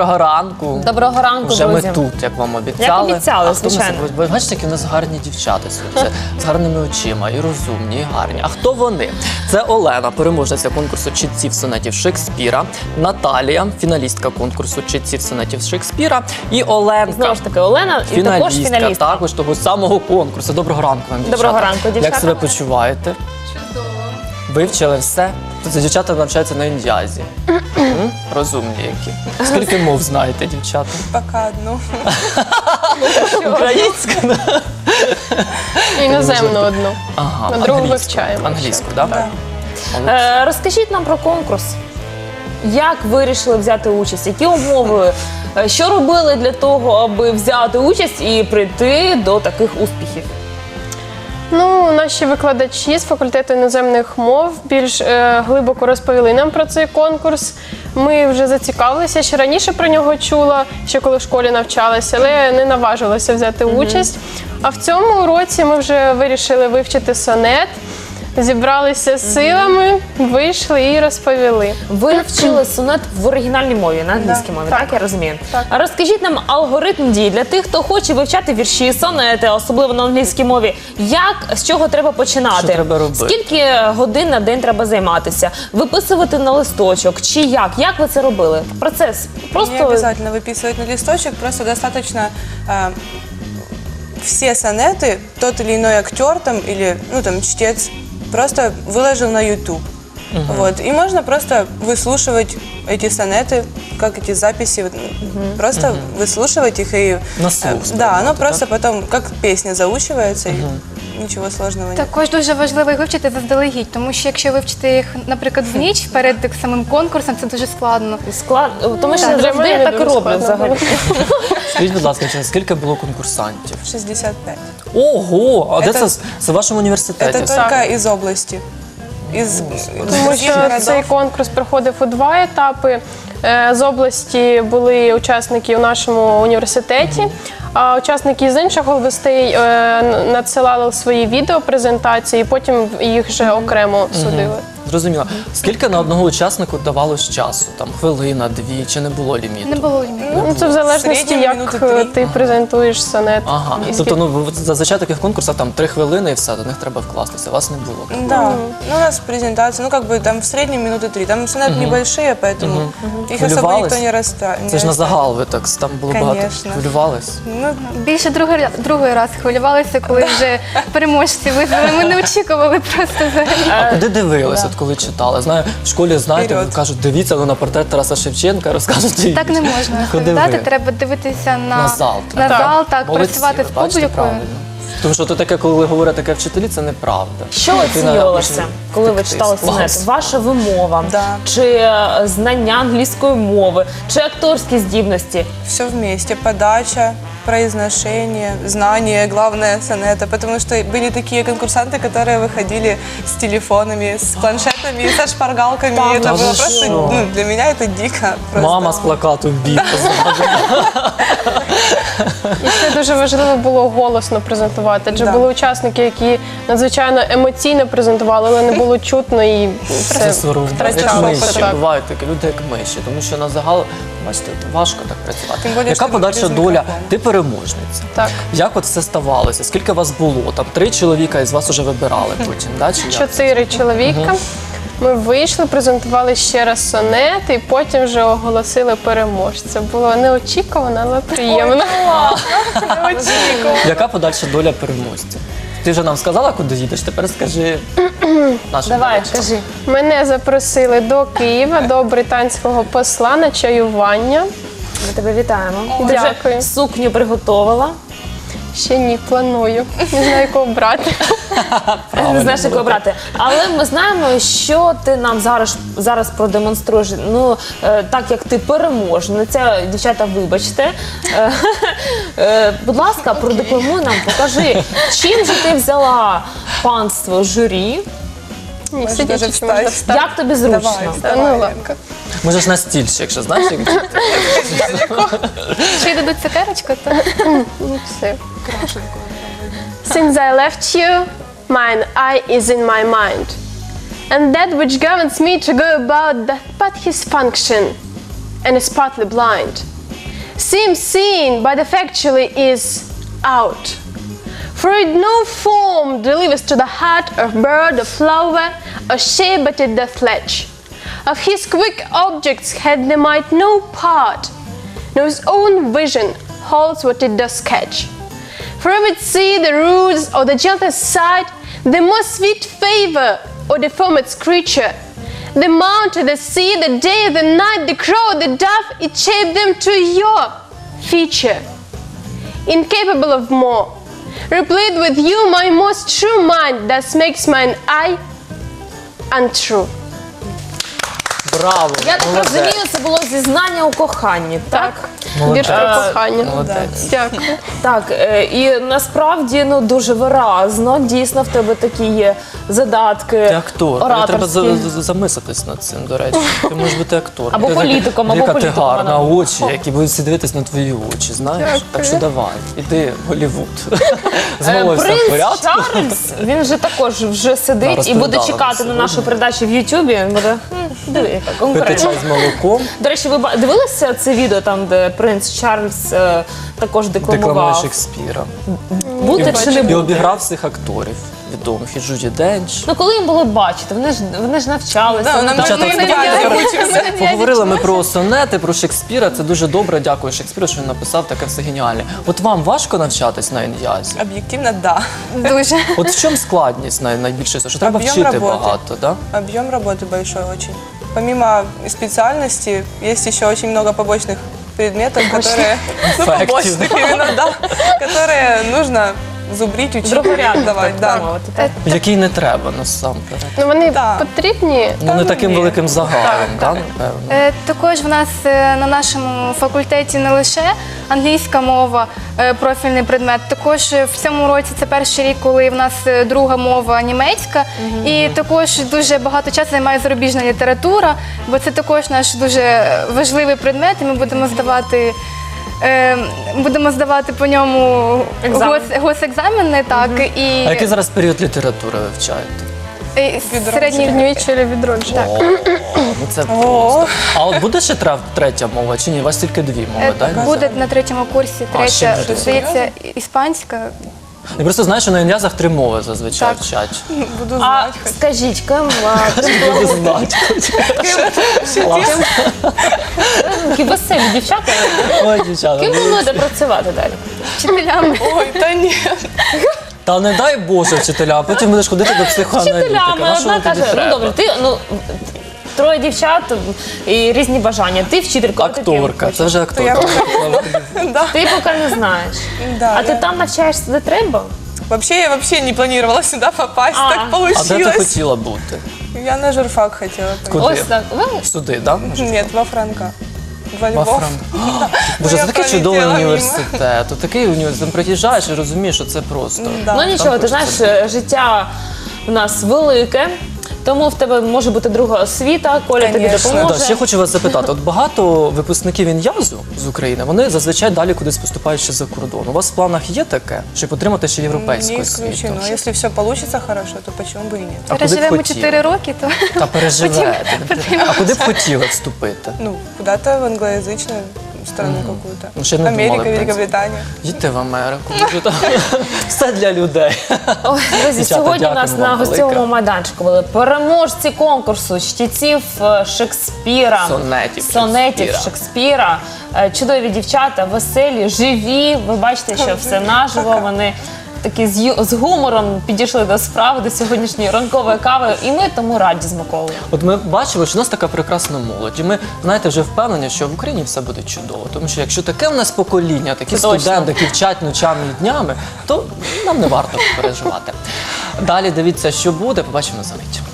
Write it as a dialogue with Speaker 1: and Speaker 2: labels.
Speaker 1: доброго ранку.
Speaker 2: Доброго ранку,
Speaker 1: Вже
Speaker 2: друзі.
Speaker 1: ми тут, як вам обіцяли.
Speaker 2: Як обіцяли,
Speaker 1: А хто нас-
Speaker 2: звичайно.
Speaker 1: Ви бачите, які в нас гарні дівчата сьогодні. З гарними очима, і розумні, і гарні. А хто вони? Це Олена, переможниця конкурсу читців сонетів Шекспіра, Наталія, фіналістка конкурсу читців сонетів Шекспіра, і Оленка.
Speaker 2: Знову ж таки, Олена і також фіналістка.
Speaker 1: також того самого конкурсу. Доброго ранку вам, дівчата.
Speaker 2: Доброго ранку, дівчата.
Speaker 1: Як себе почуваєте?
Speaker 3: Чудово.
Speaker 1: Вивчили все? Тобто дівчата навчаються на індіазі. Розумні які. Скільки мов знаєте, дівчата?
Speaker 3: Пока одну.
Speaker 1: Українську?
Speaker 4: Іноземну одну.
Speaker 1: Ага,
Speaker 4: На другу
Speaker 1: англійську.
Speaker 4: вивчаємо.
Speaker 1: Англійську, так?
Speaker 2: Розкажіть нам про конкурс. Як ви вирішили взяти участь? Які умови? Що робили для того, аби взяти участь і прийти до таких успіхів?
Speaker 4: Ну, наші викладачі з факультету іноземних мов більш глибоко розповіли нам про цей конкурс. Ми вже зацікавилися, ще раніше про нього чула, ще коли в школі навчалася, але не наважилася взяти участь. А в цьому році ми вже вирішили вивчити сонет, зібралися з силами, вийшли і розповіли.
Speaker 2: Ви вчили сонет в оригінальній мові, на англійській мові, так я розумію?
Speaker 4: Так.
Speaker 2: А розкажіть нам алгоритм дій для тих, хто хоче вивчати вірші, сонети, особливо на англійській мові. З чого треба починати?
Speaker 1: Що треба робити?
Speaker 2: Скільки годин на день треба займатися? Виписувати на листочок? Чи як? Як ви це робили? Процес
Speaker 3: Не
Speaker 2: просто...
Speaker 3: обязательно выписывать на листочек, просто достаточно все сонеты, тот или иной актер там, или чтец просто выложил на YouTube. Вот. И можно просто выслушивать эти сонеты, как эти записи, просто выслушивать их и...
Speaker 1: На слух
Speaker 3: Да,
Speaker 1: сприймати,
Speaker 3: оно
Speaker 1: так?
Speaker 3: просто потом как песня заучивается, и ничего сложного нет.
Speaker 5: Також дуже важливо їх вивчити заздалегідь, тому що якщо вивчити їх, наприклад, в ніч перед самим конкурсом, це дуже складно.
Speaker 2: Тому що
Speaker 4: Так, для
Speaker 2: завжди
Speaker 4: мене
Speaker 2: так і
Speaker 4: дуже
Speaker 2: роблять
Speaker 4: складно
Speaker 2: взагалі.
Speaker 1: Скажіть, будь ласка, скільки було конкурсантів?
Speaker 3: 65.
Speaker 1: Ого! А де
Speaker 3: Це-
Speaker 1: це в вашому університеті?
Speaker 3: Это только из области. Из
Speaker 4: Тому
Speaker 3: других
Speaker 4: що
Speaker 3: городов.
Speaker 4: цей конкурс проходив у два етапи. З області були учасники у нашому університеті, а учасники з інших областей надсилали свої відеопрезентації, потім їх вже окремо судили.
Speaker 1: Зрозуміло. Скільки на одного учаснику давалось часу? Там хвилина, дві, чи не було ліміту?
Speaker 5: Не було ліміту.
Speaker 4: Ну, це в залежності,
Speaker 3: середньому
Speaker 4: як
Speaker 3: минути 3.
Speaker 4: ти презентуєш сонет.
Speaker 1: Ага.
Speaker 4: І
Speaker 1: Тобто, зазвичай таких конкурсах там 3 хвилини і все, до них треба вкластися. Вас не було.
Speaker 3: Да, ну, у нас презентация, там в среднем минуты 3. Там сонеты небольшие, поэтому их особо
Speaker 1: Хвилювались?
Speaker 3: никто не расставит.
Speaker 1: Це ж на загал ви так, там було багато.
Speaker 3: Конечно.
Speaker 1: Хвилювались?
Speaker 3: Ну,
Speaker 5: Більше другий раз хвилювалися, коли вже переможці визвали. Ми не очікували просто взагалі.
Speaker 1: А куди дивились, от коли читали? Знаю, в школі, знаєте,
Speaker 3: Вперед.
Speaker 1: кажуть, дивіться на портрет Тараса Шевченка, розкажуть.
Speaker 5: Так не можна
Speaker 1: Куди
Speaker 5: розповідати,
Speaker 1: ви?
Speaker 5: треба дивитися
Speaker 1: На зал.
Speaker 5: на зал, так,
Speaker 1: Молодці,
Speaker 5: працювати з
Speaker 1: ви бачите,
Speaker 5: публікою.
Speaker 1: правильно. Тому що то таке, коли говорять таке вчителі, це неправда.
Speaker 2: Що
Speaker 1: Дитина
Speaker 2: оцінювалося,
Speaker 1: почне
Speaker 2: коли ви
Speaker 1: втекти
Speaker 2: читали
Speaker 1: з класу.
Speaker 2: сонет? Ваша вимова,
Speaker 3: Да.
Speaker 2: чи знання англійської мови, чи акторські здібності?
Speaker 3: все вместе. Подача, произношение, знание, главное сонета. Потому что были такие конкурсанты, которые выходили с телефонами, с планшетами, со шпаргалками.
Speaker 2: Да,
Speaker 3: И это
Speaker 1: да
Speaker 3: было
Speaker 1: вы
Speaker 3: просто,
Speaker 1: что?
Speaker 3: для меня это дико. Просто.
Speaker 1: Мама з плакату бій.
Speaker 4: І ще дуже важливо було голосно презентувати, адже
Speaker 3: Да.
Speaker 4: були учасники, які надзвичайно емоційно презентували, але не було чутно і
Speaker 1: Це
Speaker 4: все
Speaker 1: соромно. Як
Speaker 4: втрачалося.
Speaker 1: миші,
Speaker 4: Так.
Speaker 1: бувають такі люди, як миші. Тому що на загал, бачите, важко так працювати.
Speaker 3: Тим більше,
Speaker 1: Яка
Speaker 3: що
Speaker 1: подальша
Speaker 3: без
Speaker 1: доля?
Speaker 3: мікрофону.
Speaker 1: Ти переможниця.
Speaker 4: Так.
Speaker 1: Як от це ставалося? Скільки вас було? Там 3 чоловіка із вас уже вибирали потім, да? Чи як?
Speaker 4: 4 чоловіка. Ми вийшли, презентували ще раз сонет і потім вже оголосили переможця. Було неочікувано, але приємно. Неочікувано.
Speaker 1: Яка подальша доля переможця? Ти вже нам сказала, куди їдеш, тепер скажи нашим
Speaker 2: Давай,
Speaker 1: глядачам.
Speaker 2: кажи.
Speaker 4: Мене запросили до Києва, до британського посла на чаювання.
Speaker 2: Ми тебе вітаємо. Ти
Speaker 4: Дякую.
Speaker 2: вже сукню приготувала.
Speaker 4: Ще ні, планую. Не знаю, кого брати.
Speaker 2: Не знаєш, як обрати. Але ми знаємо, що ти нам зараз продемонструєш. Ну, так як ти переможниця, дівчата, вибачте. Будь ласка, продекламуй нам, покажи, чим же ти взяла панство журі,
Speaker 4: Ні,
Speaker 3: Можеш
Speaker 4: сидячи
Speaker 3: даже
Speaker 4: чи можна
Speaker 3: встати.
Speaker 4: встати.
Speaker 2: як тобі зручно?
Speaker 4: Та, ну ладно.
Speaker 1: Може ж на стільчик, якщо знаєш, як вчити.
Speaker 5: Чи дадуть цукерочку, то
Speaker 4: Ну, все. Since I left you, mine eye is in my mind. And that which governs me to go about that but his function. and is partly blind. Seems seen, but effectually is out. For it no form delivers to the heart of bird or flower or shape but it doth latch. Of his quick objects had the mind no part, nor his own vision holds what it does catch. For if it see the roots or the gentlest sight, the most sweet favor or the foremast creature, the mountain, the sea, the day, the night, the crow, the dove, it shaped them to your feature. Incapable of more, replete with you my most true mind, thus makes mine eye untrue.
Speaker 1: Браво!
Speaker 2: Я так
Speaker 1: молодець.
Speaker 2: розумію, це було зізнання у коханні, так?
Speaker 4: Вірш про кохання.
Speaker 1: Молодець.
Speaker 4: Дякую.
Speaker 2: Так, і насправді дуже виразно, дійсно в тебе такі є задатки
Speaker 1: Ти актор. Тобі треба
Speaker 2: ораторські.
Speaker 1: замислитись над цим, до речі. Ти можеш бути актором.
Speaker 2: Або
Speaker 1: Ти така
Speaker 2: політиком, або
Speaker 1: велика, ти
Speaker 2: політиком
Speaker 1: гарна,
Speaker 2: вона.
Speaker 1: очі, які будуть всі дивитись на твої очі, знаєш? Так що давай, іди в Голлівуд. Знову все в
Speaker 2: Принц
Speaker 1: порядку.
Speaker 2: Чарльз, він же також вже
Speaker 1: Да,
Speaker 2: сидить і
Speaker 1: розповідала
Speaker 2: буде чекати
Speaker 1: нам
Speaker 2: на нашу передачу в Ютубі. Він буде диви, яка
Speaker 1: Пити
Speaker 2: конкуренція.
Speaker 1: чай з молоком,
Speaker 2: До речі, ви дивилися це відео там, де принц Чарльз також
Speaker 1: декламує
Speaker 2: декламував?
Speaker 1: Шекспіра.
Speaker 2: Бути чи не
Speaker 1: І
Speaker 2: бути?
Speaker 1: обіграв всіх акторів відомих. І Джуді Денч.
Speaker 2: Ну коли їм було бачити, вони ж навчалися.
Speaker 3: Да, нам
Speaker 1: Дівчата,
Speaker 3: нужно
Speaker 1: ви
Speaker 3: идеально
Speaker 1: Поговорили ми про сонети, про Шекспіра. Це дуже добре. Дякую Шекспіру, що він написав таке все геніальне. От вам важко навчатись на ін'язі?
Speaker 3: Объективно, да.
Speaker 5: Дуже.
Speaker 1: От в чому складність найбільше? Що треба
Speaker 3: Об'єм
Speaker 1: вчити
Speaker 3: роботи.
Speaker 1: багато, да?
Speaker 3: Объем работы большой очень. Помимо специальности, есть еще очень много побочных предметов, которые... Ну,
Speaker 1: Эффективно.
Speaker 3: побочных именно, да. Которые нужно зубрить, учить,
Speaker 2: Другорядно,
Speaker 3: давать,
Speaker 2: так
Speaker 3: да.
Speaker 2: мовити. Так.
Speaker 1: Який не треба насамперед.
Speaker 4: Ну, вони
Speaker 3: Да.
Speaker 4: потрібні.
Speaker 1: Ну не таким
Speaker 3: ні.
Speaker 1: великим загалом, да, напевно.
Speaker 5: Також в нас на нашому факультеті не лише англійська мова, профільний предмет. Також в цьому році це перший рік, коли в нас друга мова німецька. І також дуже багато часу займає зарубіжна література, бо це також наш дуже важливий предмет, і ми будемо здавати по ньому
Speaker 2: Екзамен.
Speaker 5: госекзамени, так,
Speaker 1: А який зараз період літератури вивчаєте?
Speaker 5: середній
Speaker 4: Середньовіччя чи відродження.
Speaker 1: О, ну це просто. А от буде ще третя мова чи ні? У вас тільки дві мови, так?
Speaker 5: Буде на третьому курсі,
Speaker 1: ще
Speaker 5: третя,
Speaker 1: буде.
Speaker 5: здається, іспанська.
Speaker 1: Я просто знаю, що на ін'язах 3 мови зазвичай
Speaker 5: Так.
Speaker 1: вчать.
Speaker 3: Буду
Speaker 2: А
Speaker 3: знать.
Speaker 2: скажіть, ким
Speaker 1: Буду знати. Клас.
Speaker 2: такі веселі дівчата,
Speaker 1: Ой, дівчата.
Speaker 2: ким плануєте працювати далі?
Speaker 5: Вчителями.
Speaker 3: Ой, да нет.
Speaker 1: Та не дай Боже вчителя, а потім будеш ходити до психоаналітика.
Speaker 2: Вчителями,
Speaker 1: На що
Speaker 2: одна
Speaker 1: тобі
Speaker 2: каже, ну
Speaker 1: треба?
Speaker 2: добре, ти троє дівчат і різні бажання. Ти вчителька, а ти ким
Speaker 1: Акторка,
Speaker 2: хочеш?
Speaker 1: це вже акторка.
Speaker 2: Ти поки не знаєш.
Speaker 3: Да,
Speaker 2: А ти
Speaker 3: я-
Speaker 2: там навчаєшся, де треба?
Speaker 3: Вообще, я вообще не планировала сюда попасть,
Speaker 2: А.
Speaker 3: так
Speaker 1: А де ти
Speaker 3: получилось.
Speaker 1: хотіла бути?
Speaker 3: Я на журфак хотела пойти.
Speaker 1: Куди?
Speaker 2: Ось так. Ви
Speaker 1: Сюди, так?
Speaker 3: Нет, во Франка. Во
Speaker 1: Во
Speaker 3: Львов.
Speaker 1: Франк. Боже,
Speaker 3: Я
Speaker 1: це такий чудовий
Speaker 3: пролетіла мимо.
Speaker 1: університет. От такий університет. Там приїжджаєш і розумієш, що це просто.
Speaker 3: Да.
Speaker 2: Ну нічого, ти
Speaker 1: хочеться
Speaker 2: знаєш, життя в нас велике, тому в тебе може бути друга освіта, Коля тобі
Speaker 3: Конечно.
Speaker 2: допоможе.
Speaker 1: Да, ще хочу вас запитати. От багато випускників ін'язу з України, вони зазвичай далі кудись поступають ще за кордон. У вас в планах є таке, щоб отримати ще європейську
Speaker 3: Не
Speaker 1: освіту?
Speaker 3: исключено. Если все получится хорошо, то почему бы и нет?
Speaker 1: А куди б
Speaker 5: Переживемо
Speaker 1: хотіли?
Speaker 5: 4 роки, то
Speaker 1: Та переживете. А куди б хотіли вступити?
Speaker 3: Ну, куда-то в англоязычную страну какую-то.
Speaker 1: Ну, ще не думали,
Speaker 3: Америка,
Speaker 1: в принципі.
Speaker 3: Великобритания.
Speaker 1: Їдьте в Америку. Може, там все для людей.
Speaker 2: Ой, друзі,
Speaker 1: Дівчата,
Speaker 2: сьогодні у нас
Speaker 1: дякуємо
Speaker 2: на
Speaker 1: вам
Speaker 2: гостьовому
Speaker 1: велике.
Speaker 2: майданчику були переможці конкурсу чтеців Шекспіра,
Speaker 1: Сонетів
Speaker 2: Шекспіра. Чудові дівчата, веселі, живі. Ви бачите, що все наживо. Вони такі з гумором підійшли до справи, до сьогоднішньої ранкової кави. І ми тому раді з Миколою.
Speaker 1: От ми бачимо, що у нас така прекрасна молодь. І ми, знаєте, вже впевнені, що в Україні все буде чудово. Тому що якщо таке в нас покоління, такі
Speaker 2: Точно.
Speaker 1: студенти, які вчать ночами і днями, то нам не варто переживати. Далі дивіться, що буде. Побачимо за мить.